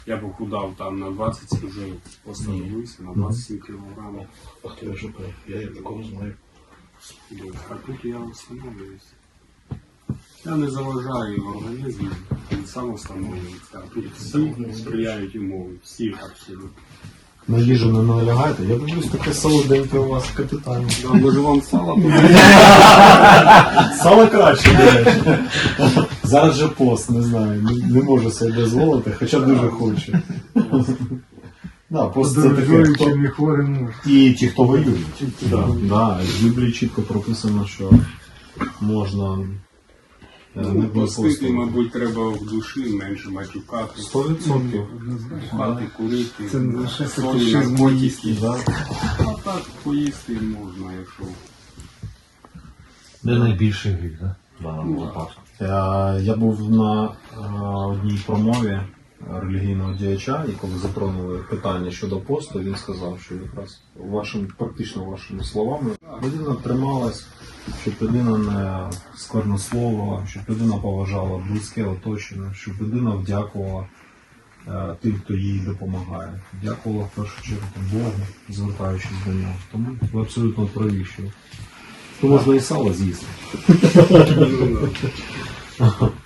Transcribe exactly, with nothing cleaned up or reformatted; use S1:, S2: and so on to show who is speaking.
S1: Я похудав там на двадцять, вже постановився, на двадцять сім кілограмів.
S2: А хто я жопа? Я такого знаю.
S1: А тут я встановлююся. Я не заважаю організму, він сам встановлюється. А тут всі сприяють умови, всі абсолютно.
S3: На їжу не налягаєте? Я дивлюсь, таке солоденьке у вас капітально.
S1: Да, може вам сало?
S3: Сало краще, до речі. Зараз же пост, не знаю, не, не можу собі дозволити, хоча дуже хочу. Да, пост це таке, хто...
S4: і хворим може.
S3: І ті, хто воюють. Да, да, в Біблії чітко прописано, що можна е, не
S1: Ну,
S3: бути
S1: постити,
S3: постом.
S1: мабуть, треба в душі менше матюкати,
S3: Сто відсотків.
S1: хати, курити,
S4: Це не лише
S1: солі,
S4: фетишизм
S1: наркотики.
S3: Да.
S1: А так поїсти можна, якщо.
S2: Де найбільший гріх, так? В даному випадку.
S3: Е, Я був на е, одній промові релігійного діяча, і коли затронули питання щодо посту, він сказав, що якраз вашим, практично вашими словами людина трималась, щоб людина не сквернословила, щоб людина поважала близьке оточення, щоб людина вдякувала е, тим, хто їй допомагає. Дякувала в першу чергу Богу, звертаючись до нього. Тому ви абсолютно праві, що то можна і сало з'їсти.
S1: Ну, да.